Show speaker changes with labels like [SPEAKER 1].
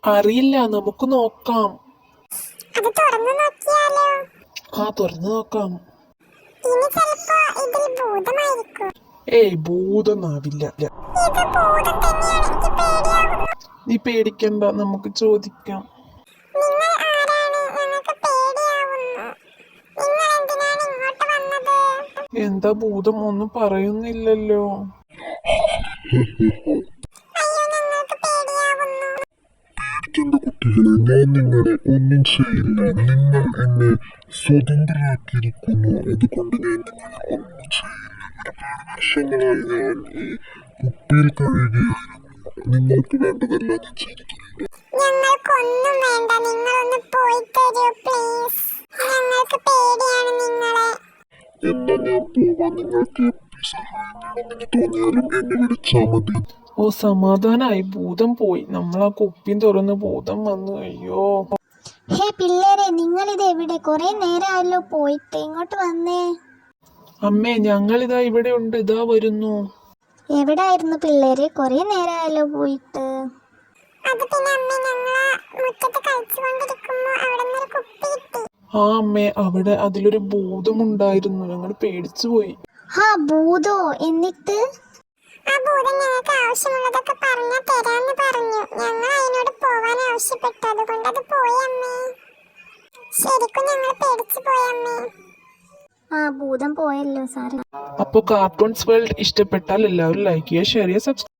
[SPEAKER 1] അറിയില്ല, നമുക്ക് നോക്കാം.
[SPEAKER 2] അത് തുറന്നു നോക്കിയാലോ?
[SPEAKER 1] തുറന്നു നോക്കാം.
[SPEAKER 2] ഇനി ചിലപ്പോ ഇതിൽ ഭൂതമായിരിക്കും.
[SPEAKER 1] ഏയ്, ഭൂതമാവില്ല.
[SPEAKER 2] ഇത് ഭൂതം തന്നെയാണ്. എനിക്ക് പേടിയാവുന്നു.
[SPEAKER 1] നീ പേടിക്കണ്ട, നമുക്ക് ചോദിക്കാം.
[SPEAKER 2] നിങ്ങൾ ആരാണ്? ഞങ്ങൾക്ക് പേടിയാവുന്നു. നിങ്ങൾ എന്തിനാണ് ഇങ്ങോട്ട് വന്നത്?
[SPEAKER 1] എന്താ ഭൂതം ഒന്നും പറയുന്നില്ലല്ലോ?
[SPEAKER 2] അയ്യോ, ഞങ്ങൾക്ക് പേടിയാവുന്നു.
[SPEAKER 3] പേടിക്കേണ്ട കുട്ടികളെ, ഞാൻ നിങ്ങളെ ഒന്നും ചെയ്യില്ല. നിങ്ങൾ എന്നെ സ്വതന്ത്രരാക്കിയിരിക്കുന്നു. അതുകൊണ്ട് ഞാൻ നിങ്ങളെ ഒന്നും ചെയ്യില്ല. ഒരുപാട് വർഷങ്ങളായി ഞാൻ ഈ കുപ്പിയിൽ കഴിയുകയായിരുന്നു. നിങ്ങൾക്ക് വേണ്ടതെല്ലാം ഞാൻ ചെയ്തിട്ടുണ്ട്.
[SPEAKER 2] ഞങ്ങൾക്കൊന്നും വേണ്ട. നിങ്ങളൊന്ന് പോയി തരൂ പ്ലീസ്. ഞങ്ങൾക്ക് പേടിയാണ് നിങ്ങളെ.
[SPEAKER 3] എന്നാ ഞാൻ പോവാൻ. നിങ്ങൾക്ക് എപ്പോൾ സഹായം വേണമെന്ന് തോന്നിയാലും എന്നെ വിളിച്ചാൽ മതി.
[SPEAKER 1] സമാധാനായി, ഭൂതം പോയി. നമ്മൾ ആ കുപ്പിയും തുറന്ന് ഭൂതം വന്നു. അയ്യോ.
[SPEAKER 4] ഹേ പിള്ളേരെ, നിങ്ങളിത് എവിടെ? കുറെ നേരമായല്ലോ പോയിട്ട്. ഇങ്ങോട്ട് വന്നേ.
[SPEAKER 1] അമ്മേ, ഞങ്ങളിതാ ഇവിടെ ഉണ്ട്. ഇതാ വരുന്നു.
[SPEAKER 4] എവിടായിരുന്നു പിള്ളേരെ? കുറെ നേരമായല്ലോ പോയിട്ട്.
[SPEAKER 2] അത് പിന്നെ അമ്മ, ഞങ്ങള് മുറ്റത്ത് കളിച്ചുകൊണ്ടിരിക്കുമ്പോ അവിടെ നിന്നൊരു കുപ്പി കിട്ടി.
[SPEAKER 1] അമ്മേ, അവിടെ അതിലൊരു ഭൂതമുണ്ടായിരുന്നു. ഞങ്ങൾ പേടിച്ചു പോയി.
[SPEAKER 4] ഭൂതോ? എന്നിട്ട്?
[SPEAKER 2] ആ ഭൂതം ഞങ്ങൾക്ക് ആവശ്യമുള്ളതൊക്കെ പറഞ്ഞാൽ തരാന്ന് പറഞ്ഞു. ഞങ്ങൾ അതിനോട് പോവാൻ ആവശ്യപ്പെട്ടു. അതുകൊണ്ട് അത് പോയി അമ്മേ. ശരിക്കും ഞങ്ങൾ പേടിച്ചു പോയി അമ്മേ.
[SPEAKER 4] ഭൂതം പോയല്ലോ സാറേ.
[SPEAKER 1] അപ്പോൾ കാർട്ടൂൺസ് വേൾഡ് ഇഷ്ടപ്പെട്ടാൽ എല്ലാവരും ലൈക്ക് ചെയ്യുക, ഷെയർ ചെയ്യുക, സബ്സ്ക്രൈബ്